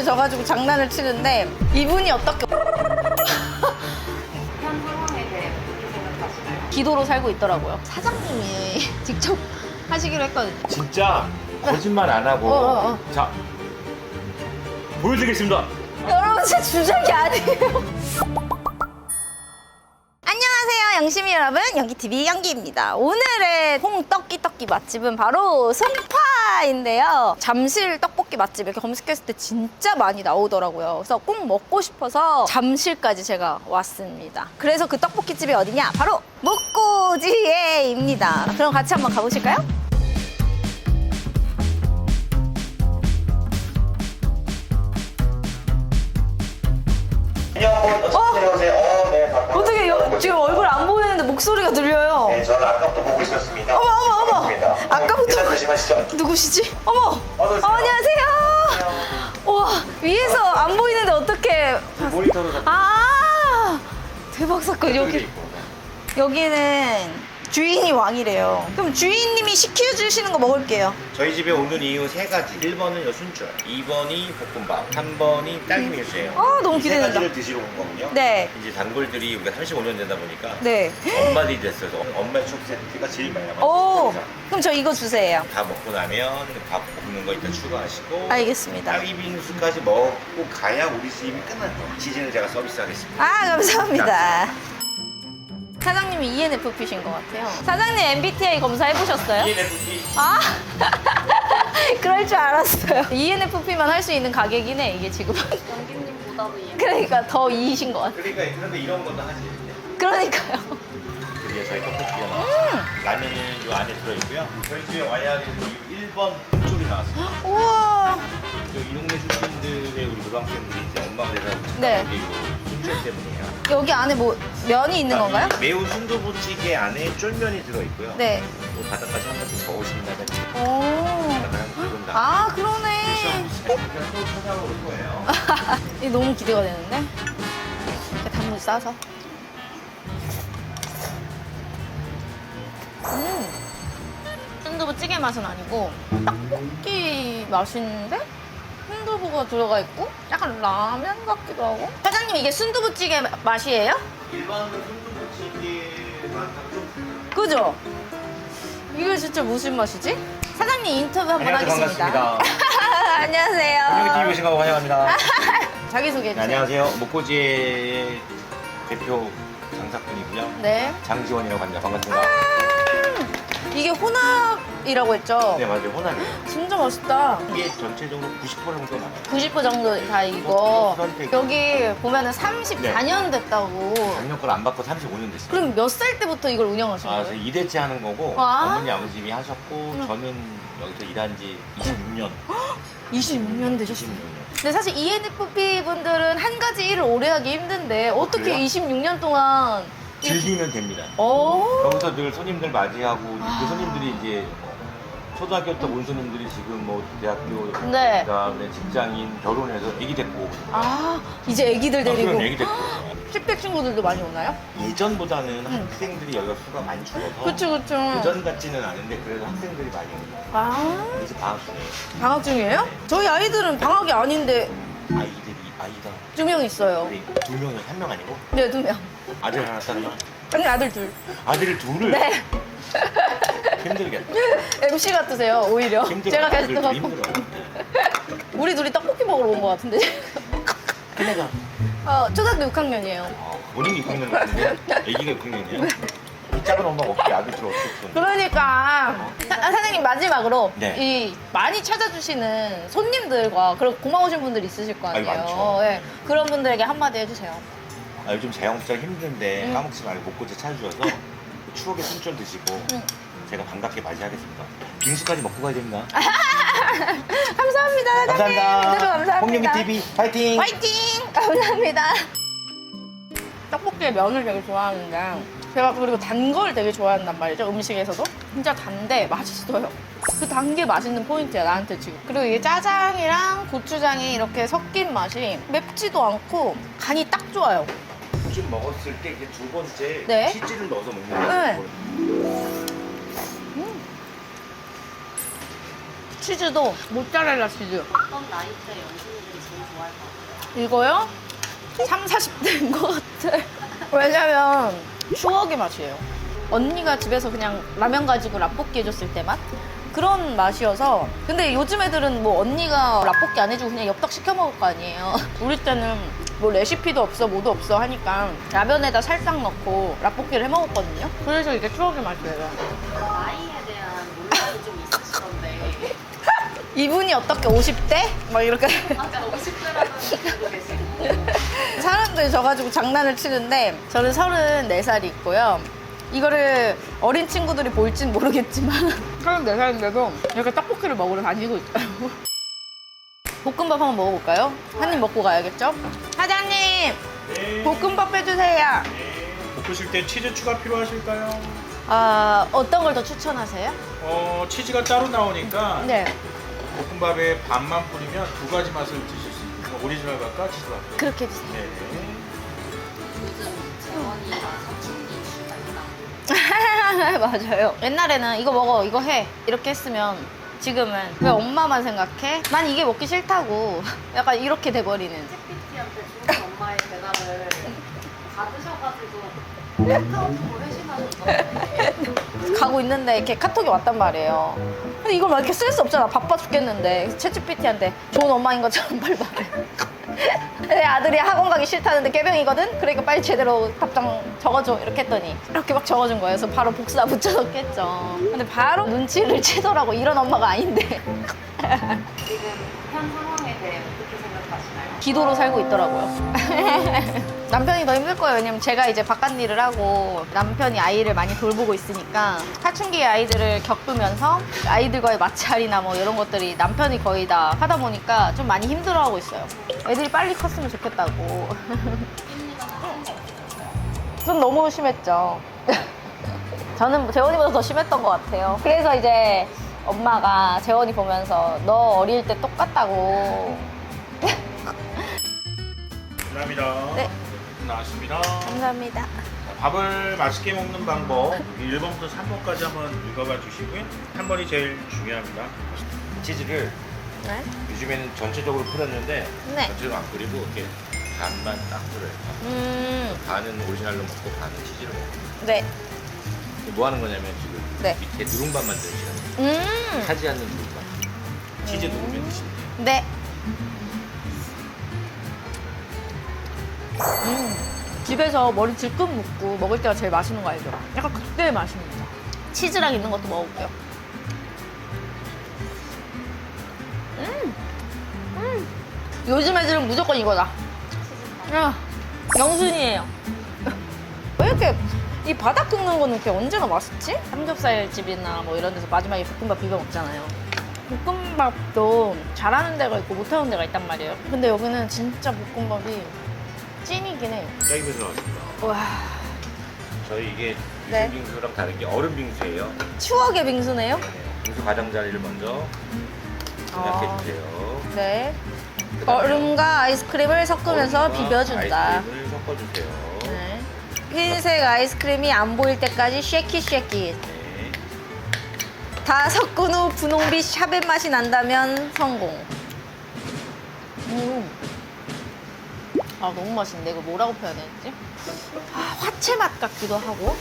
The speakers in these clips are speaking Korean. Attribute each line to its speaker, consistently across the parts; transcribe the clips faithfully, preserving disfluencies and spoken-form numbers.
Speaker 1: 미소를 져가지고 장난을 치는데 이분이 어떻게
Speaker 2: 현 상황에 대해 어떻게 생각하시나요?
Speaker 1: 기도로 살고 있더라고요. 사장님이 직접 하시기로 했거든요.
Speaker 3: 진짜 거짓말 안 하고
Speaker 1: 어, 어, 어.
Speaker 3: 자 보여드리겠습니다.
Speaker 1: 여러분 제 주작이 아니에요. 안녕하세요 영심이 여러분, 연기티비 연기입니다. 오늘의 홍떡기 떡기 맛집은 바로 송파인데요. 잠실 떡볶이 맛집 이렇게 검색했을 때 진짜 많이 나오더라고요. 그래서 꼭 먹고 싶어서 잠실까지 제가 왔습니다. 그래서 그 떡볶이집이 어디냐? 바로 목고지에입니다. 그럼 같이 한번 가보실까요?
Speaker 4: 어? 내려오세요. 어, 네, 반갑습니다.
Speaker 1: 어떻게 여, 지금 얼굴 안 보이는데 목소리가 들려요?
Speaker 4: 네, 저는 아까부터 보고 있었습니다.
Speaker 1: 어머 어머 어머
Speaker 4: 반갑습니다.
Speaker 1: 아까부터
Speaker 4: 일단 조심하시죠.
Speaker 1: 누구시지? 어머!
Speaker 4: 어서 오세요.
Speaker 1: 어, 안녕하세요. 와, 위에서 안 보이는데 어떻게?
Speaker 3: 모니터로 잡
Speaker 1: 아, 대박 사건. 여기 여기는 주인이 왕이래요. 그럼 주인님이 시켜주시는 거 먹을게요.
Speaker 3: 저희 집에 오는 이유 세 가지. 일 번은 요 순절, 이 번이 볶음밥, 삼 번이 딸기 밀수예요.
Speaker 1: 아, 너무
Speaker 3: 이 세
Speaker 1: 기대된다.
Speaker 3: 가지를 드시러 온 거군요.
Speaker 1: 네.
Speaker 3: 이제 단골들이 우리가 삼십오 년 되다 보니까
Speaker 1: 네.
Speaker 3: 엄마들이 됐어요. 엄마의 추억 세트가 제일 많이 남았어요.
Speaker 1: 오, 그럼 저 이거 주세요.
Speaker 3: 다 먹고 나면 밥 볶는 거 일단 추가하시고
Speaker 1: 알겠습니다.
Speaker 3: 딸기 빙수까지 먹고 가야 우리 수입이 끝날 거예요. 시즌을 제가 서비스하겠습니다.
Speaker 1: 아, 감사합니다. 사장님이 이엔에프피신 것 같아요. 사장님 엠비티아이 검사해보셨어요?
Speaker 3: 이엔에프피
Speaker 1: 아, 그럴 줄 알았어요. 이엔에프피만 할 수 있는 가격이긴 해, 이게 지금.
Speaker 2: 연기님보다도 이
Speaker 1: 그러니까 더 이이신 것 같아요.
Speaker 3: 그러니까 그런데 이런 것도 하지.
Speaker 1: 그러니까요.
Speaker 3: 드디어 저희 떡볶이가 나왔어요.
Speaker 1: 음.
Speaker 3: 라면은 이 안에 들어있고요. 저희 집에 와야 하는 일 번 쪽이 나왔어요.
Speaker 1: 우와.
Speaker 3: 이 동네 출신들의 우리 고등학생들이 이제 엄마가 돼서
Speaker 1: 네.
Speaker 3: 순철 때문이에요.
Speaker 1: 여기 안에 뭐 면이 있는 건가요?
Speaker 3: 이 매운 순두부찌개 안에 쫄면이 들어있고요.
Speaker 1: 네.
Speaker 3: 뭐 바닥까지 한 번씩 저으신다든지
Speaker 1: 오.
Speaker 3: 바닥까지 기본 다.
Speaker 1: 아, 그러네.
Speaker 3: 또 찾아올 거예요.
Speaker 1: 이 너무 기대가 되는데? 이렇게 단무지 싸서. 음. 순두부찌개 맛은 아니고 떡볶이 맛인데 순두부가 들어가 있고 약간 라면 같기도 하고. 사장님, 이게 순두부찌개 마- 맛이에요?
Speaker 3: 일반 순두부찌개만 좀
Speaker 1: 그죠? 이게 진짜 무슨 맛이지? 사장님 인터뷰 한번
Speaker 3: 안녕하세요.
Speaker 1: 하겠습니다.
Speaker 3: 반갑습니다.
Speaker 1: 안녕하세요.
Speaker 3: 안녕히 오신 거 환영합니다.
Speaker 1: 자기소개해
Speaker 3: 네,
Speaker 1: 주세요.
Speaker 3: 안녕하세요. 목고지의 대표 장사꾼이고요.
Speaker 1: 네.
Speaker 3: 장지원이라고 합니다. 반갑습니다.
Speaker 1: 이게 혼합이라고 했죠?
Speaker 3: 네, 맞아요. 호남이에요.
Speaker 1: 진짜 맛있다.
Speaker 3: 이게 전체적으로 구십 퍼센트 정도 나와요.
Speaker 1: 구십 퍼센트 정도 다 이거.
Speaker 3: 선택.
Speaker 1: 여기 보면은 삼십사 년 됐다고.
Speaker 3: 작년 걸 안 받고 삼십오 년 됐어요.
Speaker 1: 그럼 몇 살 때부터 이걸 운영하신
Speaker 3: 아,
Speaker 1: 거예요?
Speaker 3: 저 이 대째 하는 거고
Speaker 1: 와.
Speaker 3: 어머니 아버님이 하셨고 저는 여기서 일한 지 이십육 년.
Speaker 1: 이십육 년 되셨어요.
Speaker 3: 이십육 년.
Speaker 1: 근데 사실 이엔에프피 분들은 한 가지 일을 오래 하기 힘든데 어떻게
Speaker 3: 그래요?
Speaker 1: 이십육 년 동안
Speaker 3: 즐기면 됩니다.
Speaker 1: 오.
Speaker 3: 여기서 늘 손님들 맞이하고
Speaker 1: 아.
Speaker 3: 그 손님들이 이제 초등학교부터 온 손님들이 지금 뭐 대학교
Speaker 1: 네.
Speaker 3: 그다음에 직장인 결혼해서 애기 데리고 오거든요.
Speaker 1: 아, 이제 애기들
Speaker 3: 아,
Speaker 1: 데리고
Speaker 3: 그럼 애기 데리고
Speaker 1: 십 대 친구들도 많이 오나요?
Speaker 3: 예전보다는 학생들이 여기가 수가 많이 줄어서
Speaker 1: 그쵸, 그쵸.
Speaker 3: 그전 같지는 않은데 그래도 학생들이 많이 옵니다.
Speaker 1: 아,
Speaker 3: 이제 방학 중에
Speaker 1: 방학 중이에요? 저희 아이들은 방학이 아닌데
Speaker 3: 아이들이 아이가
Speaker 1: 두 명 있어요.
Speaker 3: 우리 두 명이 한 명 아니고
Speaker 1: 네, 두 명.
Speaker 3: 아들 하나 딸 하나
Speaker 1: 아니, 아들 둘.
Speaker 3: 아들을 둘을
Speaker 1: 네.
Speaker 3: 힘들겠다.
Speaker 1: 엠씨 같으세요, 오히려.
Speaker 3: 힘들어.
Speaker 1: 제가
Speaker 3: 아들을
Speaker 1: 게스트
Speaker 3: 둘이
Speaker 1: 갖고.
Speaker 3: 힘들어.
Speaker 1: 우리 둘이 떡볶이 먹으러 온 것 같은데.
Speaker 3: 큰애가
Speaker 1: 어, 초등학교 육 학년이에요.
Speaker 3: 아, 본인이 육 학년 같은데 애기가 육 학년이에요? 이 작은 엄마가 어떻게 아들 둘을 어떻게 키우는
Speaker 1: 그러니까 사, 사장님 마지막으로
Speaker 3: 네.
Speaker 1: 이 많이 찾아주시는 손님들과 그런 고마우신 분들 있으실 거
Speaker 3: 아이,
Speaker 1: 아니에요.
Speaker 3: 많죠.
Speaker 1: 예, 그런 분들에게 한마디 해주세요.
Speaker 3: 아, 요즘 자영업자 힘든데
Speaker 1: 음.
Speaker 3: 까먹지 말고 목고지 찾아주셔서 그 추억의 순절 드시고
Speaker 1: 음.
Speaker 3: 제가 반갑게 맞이하겠습니다. 빙수까지 먹고 가야 됩니다.
Speaker 1: 감사합니다, 사장님.
Speaker 3: 감사합니다.
Speaker 1: 네, 감사합니다.
Speaker 3: 홍룡기티비 파이팅!
Speaker 1: 화이팅! 감사합니다. 떡볶이의 면을 되게 좋아하는데 제가 그리고 단 걸 되게 좋아한단 말이죠. 음식에서도 진짜 단데 맛있어요. 그 단 게 맛있는 포인트야, 나한테 지금. 그리고 이게 짜장이랑 고추장이 이렇게 섞인 맛이 맵지도 않고 간이 딱 좋아요.
Speaker 3: 좀 먹었을 때 이게 두 번째
Speaker 1: 네.
Speaker 3: 치즈를 넣어서 먹는
Speaker 1: 네.
Speaker 3: 거예요.
Speaker 1: 치즈도 모짜렐라 치즈.
Speaker 2: 어떤 나이대 연습생들이 제일 좋아할 것 같아요?
Speaker 1: 이거요? 삼, 사십 대인 것 같아. 왜냐면 추억의 맛이에요. 언니가 집에서 그냥 라면 가지고 라볶이 해줬을 때 맛? 그런 맛이어서. 근데 요즘 애들은 뭐 언니가 라볶이 안 해주고 그냥 엽떡 시켜 먹을 거 아니에요. 우리 때는 뭐 레시피도 없어 뭐도 없어 하니까 라면에다 살짝 넣고 라볶이를 해 먹었거든요. 그래서 이게 추억의 맛이에요.
Speaker 2: 나이에 대한 논란이 좀 있으시던데
Speaker 1: 이분이 어떻게 오십 대? 막 이렇게
Speaker 2: 아까 오십 대라는 분도 계시고
Speaker 1: 사람들이 져가지고 장난을 치는데 저는 서른네 살이 있고요. 이거를 어린 친구들이 볼진 모르겠지만 서른네 살인데도 이렇게 떡볶이를 먹으러 다니고 있어요. 볶음밥 한번 먹어볼까요? 한 입 먹고 가야겠죠? 사장님!
Speaker 5: 네.
Speaker 1: 볶음밥 해주세요.
Speaker 5: 볶으실 때 치즈 추가 필요하실까요?
Speaker 1: 아, 어떤 걸 더 추천하세요?
Speaker 5: 어, 치즈가 따로 나오니까
Speaker 1: 네,
Speaker 5: 볶음밥에 반만 뿌리면 두 가지 맛을 드실 수 있어요. 오리지널 맛과 치즈 맛.
Speaker 1: 그렇게 해주세요.
Speaker 5: 네.
Speaker 2: 요즘 재원이가 사춘기 이슈가 있다
Speaker 1: 맞아요. 옛날에는 이거 먹어, 이거 해 이렇게 했으면 지금은 왜 엄마만 생각해? 난 이게 먹기 싫다고 약간 이렇게 돼버리는.
Speaker 2: 챗피티한테 주는 엄마의 대답을 받으셔가지고 카카오톡으로 회신하셨던데
Speaker 1: 가고 있는데 이렇게 카톡이 왔단 말이에요. 근데 이걸 막 이렇게 쓸 수 없잖아. 바빠 죽겠는데. 챗지피티한테 좋은 엄마인 것처럼 빨리 말해. 내 아들이 학원 가기 싫다는데 꾀병이거든? 그러니까 빨리 제대로 답장 적어줘. 이렇게 했더니 이렇게 막 적어준 거예요. 그래서 바로 복사 붙여넣겠죠. 근데 바로 눈치를 채더라고. 이런 엄마가 아닌데.
Speaker 2: 지금 현 상황에 대해 어떻게 생각하시나요?
Speaker 1: 기도로 살고 있더라고요. 남편이 더 힘들 거예요. 왜냐면 제가 이제 바깥 일을 하고 남편이 아이를 많이 돌보고 있으니까 사춘기의 아이들을 겪으면서 아이들과의 마찰이나 뭐 이런 것들이 남편이 거의 다 하다 보니까 좀 많이 힘들어하고 있어요. 애들이 빨리 컸으면 좋겠다고. 좀 너무 심했죠. 저는 재원이보다 더 심했던 것 같아요. 그래서 이제 엄마가 재원이 보면서 너 어릴 때 똑같다고.
Speaker 5: 감사합니다.
Speaker 1: 네.
Speaker 5: 나왔습니다.
Speaker 1: 감사합니다.
Speaker 5: 밥을 맛있게 먹는 방법 일 번부터 삼 번까지 한번 읽어봐 주시고요. 삼 번이 제일 중요합니다.
Speaker 3: 치즈를
Speaker 1: 네?
Speaker 3: 요즘에는 전체적으로 뿌렸는데
Speaker 1: 네.
Speaker 3: 전체적으로 안 뿌리고 이렇게 반만 딱 뿌려요.
Speaker 1: 음,
Speaker 3: 반은 오리지널로 먹고 반은 치즈로 먹고.
Speaker 1: 네.
Speaker 3: 뭐 하는 거냐면 지금
Speaker 1: 네.
Speaker 3: 밑에 누룽밥 만드시는 거예요.
Speaker 1: 음,
Speaker 3: 타지 않는 누룽밥. 치즈 누르면 드시면 돼요.
Speaker 1: 네. 음, 집에서 머리 질끈 묶고 먹을 때가 제일 맛있는 거 알죠? 약간 그때의 맛입니다. 치즈랑 있는 것도 먹어볼게요. 음, 음. 요즘 애들은 무조건 이거다. 아, 영순이에요. 왜 이렇게 이 바닥 긁는 거는 이렇게 언제나 맛있지? 삼겹살 집이나 뭐 이런 데서 마지막에 볶음밥 비벼 먹잖아요. 볶음밥도 잘하는 데가 있고 못하는 데가 있단 말이에요. 근데 여기는 진짜 볶음밥이 찐이긴 해.
Speaker 3: 짜기면서 나왔습니다.
Speaker 1: 와,
Speaker 3: 저희 이게
Speaker 1: 네.
Speaker 3: 유심 빙수랑 다른 게 얼음 빙수예요.
Speaker 1: 추억의 빙수네요?
Speaker 3: 네. 빙수 가장자리를 먼저 생략해
Speaker 1: 아.
Speaker 3: 주세요.
Speaker 1: 네.
Speaker 3: 그다음에
Speaker 1: 얼음과 아이스크림을 섞으면서
Speaker 3: 얼음과
Speaker 1: 비벼준다.
Speaker 3: 아이스크림을 섞어주세요.
Speaker 1: 네. 흰색 아이스크림이 안 보일 때까지 쉐키 쉐키.
Speaker 3: 네.
Speaker 1: 다 섞은 후 분홍빛 샤벳 맛이 난다면 성공. 음. 아, 너무 맛있는데 이거 뭐라고 표현했지? 아, 화채 맛 같기도 하고.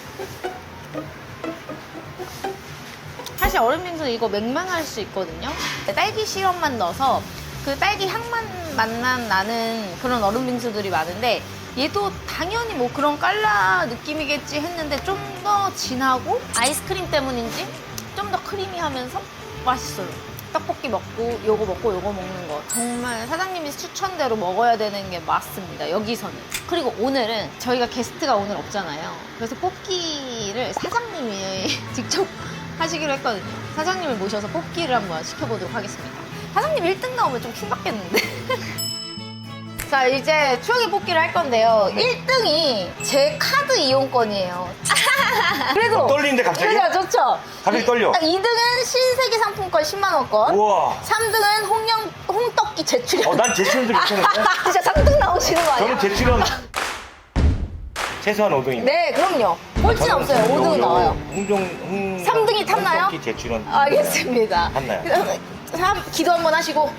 Speaker 1: 사실 얼음 빙수는 이거 맹맹할 수 있거든요. 딸기 시럽만 넣어서 그 딸기 향만 맛만 나는 그런 얼음 빙수들이 많은데 얘도 당연히 뭐 그런 깔라 느낌이겠지 했는데 좀 더 진하고 아이스크림 때문인지 좀 더 크리미하면서 맛있어요. 떡볶이 먹고 요거 먹고 요거 먹는 거 정말 사장님이 추천대로 먹어야 되는 게 맞습니다. 여기서는. 그리고 오늘은 저희가 게스트가 오늘 없잖아요. 그래서 뽑기를 사장님이 직접 하시기로 했거든요. 사장님을 모셔서 뽑기를 한번 시켜보도록 하겠습니다. 사장님 일 등 나오면 좀 킹받겠는데? 자, 이제 추억의 뽑기를 할 건데요. 일 등이 제 카드 이용권이에요. 그래도
Speaker 3: 어, 떨리는데 갑자기?
Speaker 1: 그죠, 좋죠?
Speaker 3: 갑자기 떨려.
Speaker 1: 이 등은 신세계 상품권 십만 원권.
Speaker 3: 우와.
Speaker 1: 삼 등은 홍영, 홍떡기 제출연.
Speaker 3: 어, 난 제출연도 괜찮은데?
Speaker 1: 진짜 삼 등 나오시는 거 아니야?
Speaker 3: 저는 제출연 최소한 오 등입니다.
Speaker 1: 네, 그럼요. 꼴찌는 없어요. 오 등은 나와요.
Speaker 3: 홍종 홍
Speaker 1: 삼 등이 탔나요?
Speaker 3: 홍석기 제출원
Speaker 1: 알겠습니다.
Speaker 3: 탔나요?
Speaker 1: 삼, 기도 한번 하시고.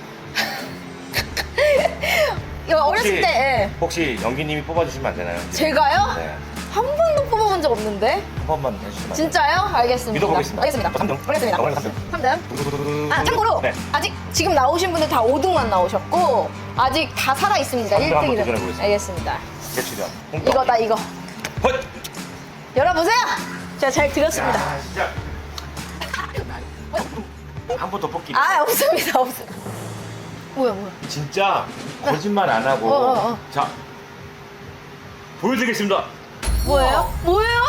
Speaker 1: 이거 어렸을
Speaker 3: 혹시-
Speaker 1: 때 예.
Speaker 3: 혹시 연기님이 뽑아주시면 안 되나요?
Speaker 1: 제가요?
Speaker 3: 네.
Speaker 1: 한 번도 뽑아본 적 없는데?
Speaker 3: 한 번만 해주시면 안 돼요?
Speaker 1: 진짜요? 알겠습니다.
Speaker 3: 믿어보겠습니다.
Speaker 1: 알겠습니다.
Speaker 3: 삼 등.
Speaker 1: 알겠습니다.
Speaker 3: 이번엔 삼 등.
Speaker 1: 삼 등.
Speaker 3: 두두두두두.
Speaker 1: 아, 참고로
Speaker 3: 네.
Speaker 1: 아직 지금 나오신 분들 다 오 등만 나오셨고 아직 다 살아 있습니다.
Speaker 3: 삼 등
Speaker 1: 일
Speaker 3: 한번
Speaker 1: 등이든.
Speaker 3: 도전해보겠습니다.
Speaker 1: 알겠습니다.
Speaker 3: 제출원. 홍석기.
Speaker 1: 이거다 이거.
Speaker 3: 헛!
Speaker 1: 열어보세요. 제가 잘 들었습니다.
Speaker 3: 야, 진짜. 한 번 더 뽑기.
Speaker 1: 아 없습니다 없습니다. 뭐야 뭐야.
Speaker 3: 진짜 거짓말 안 하고.
Speaker 1: 어, 어, 어.
Speaker 3: 자, 보여드리겠습니다.
Speaker 1: 뭐예요? 뭐예요?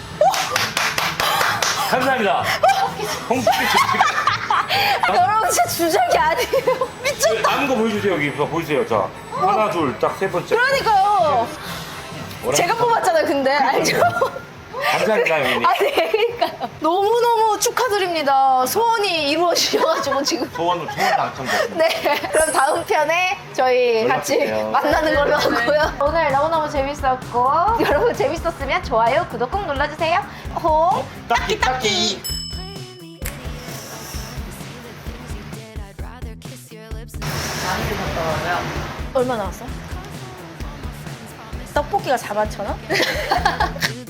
Speaker 3: 감사합니다. 홍석기 제출.
Speaker 1: 여러분 진짜 주작이 아니에요. 미쳤다.
Speaker 3: 남은 거 보여주세요. 여기 보여주세요. 자, 하나, 둘, 딱 세 번째.
Speaker 1: 그러니까요. 제가 뽑았잖아요 근데 알죠?
Speaker 3: 감사합니다, 형님.
Speaker 1: 아니 그러니까요. 너무너무 축하드립니다. 소원이 이루어지셔가지고 지금.
Speaker 3: 소원으로 소원 당첨됐습니다.
Speaker 1: 네, 그럼 다음 편에 저희 같이
Speaker 3: 연락주세요.
Speaker 1: 만나는 걸로 하고요. 오늘 너무너무 재밌었고 여러분 재밌었으면 좋아요, 구독 꼭 눌러주세요. 홍
Speaker 3: 딱히, 딱히.
Speaker 2: 많이들 갔다 와요.
Speaker 1: 얼마 나왔어? 떡볶이가 사만 천 원?